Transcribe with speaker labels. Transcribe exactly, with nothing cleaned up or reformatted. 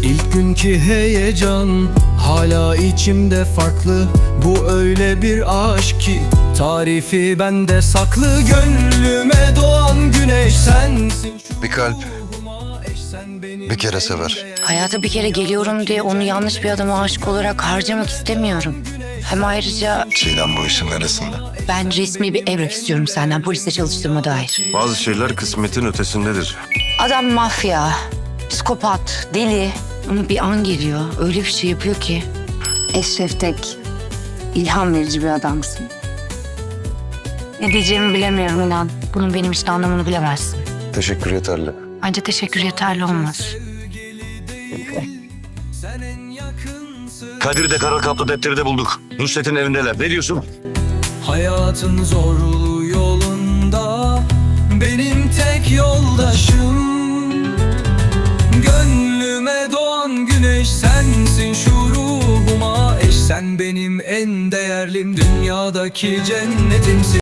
Speaker 1: İlk günkü heyecan hala içimde farklı. Bu öyle bir aşk ki tarifi bende saklı. Gönlüme doğan güneş sensin.
Speaker 2: Bir kalp bir kere sever.
Speaker 3: Hayata bir kere geliyorum diye onu yanlış bir adama aşık olarak harcamak istemiyorum. Hem ayrıca
Speaker 2: Çiğdem bu işin neresinde?
Speaker 3: ben resmi bir evrak istiyorum senden, poliste çalıştırma dair.
Speaker 4: Bazı şeyler kısmetin ötesindedir.
Speaker 3: Adam mafya, psikopat, deli. Ama bir an geliyor, öyle bir şey yapıyor ki. Eşref Tek, ilham verici bir adamsın. Ne diyeceğimi bilemiyorum inan. Bunun benim için anlamını bilemezsin.
Speaker 2: Teşekkür yeterli.
Speaker 3: Bence teşekkür yeterli olmaz.
Speaker 4: Kadir'de kara kaplı defteri de bulduk. Nusret'in evindeler. Ne diyorsun?
Speaker 1: Hayatın zorlu yolunda benim tek yoldaşım. Gönlüme doğan güneş sensin, şu ruhuma eş. Sen benim en değerlim, dünyadaki cennetimsin.